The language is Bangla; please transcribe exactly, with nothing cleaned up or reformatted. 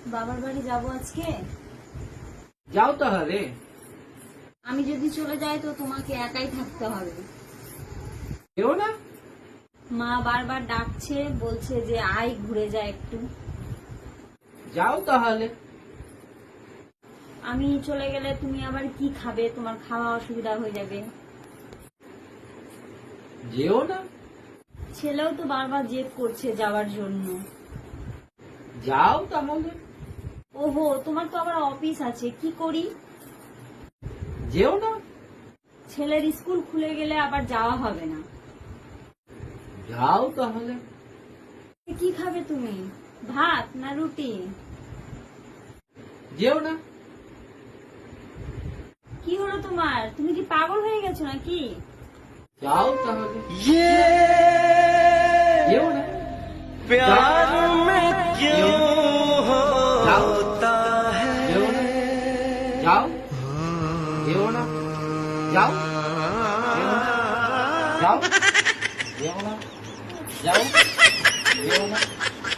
বাবার বাড়ি যাব আজকে। যাও তাহলে। আমি যদি চলে যাই তো তোমাকে একাই থাকতে হবে। কেউ না? মা বারবার ডাকছে, বলছে যে আয় ঘুরে যায় একটু। যাও তাহলে। আমি চলে গেলে তুমি আবার কি খাবে? তোমার খাওয়া অসুবিধা হয়ে যাবে। যেও না। ছেলেও তো বারবার জেদ করছে যাওয়ার জন্য। যাও তাহলে। ওহো, তোমার তো আবার অফিস আছে, কি করি? যেও না। ছেলের স্কুল খুলে গেলে আবার যাওয়া হবে না। যাও তাহলে। কি খাবে তুমি? ভাত না রুটি? যেও না। কি হলো তোমার? তুমি কি পাগল হয়ে গেছো নাকি? যাও তাহলে। ये যেও না। प्यार में क्यों যাও। होता है যেও না। যাও। যেও না। যাও। যেও না। যাও। যেও না। যাও। যেও না।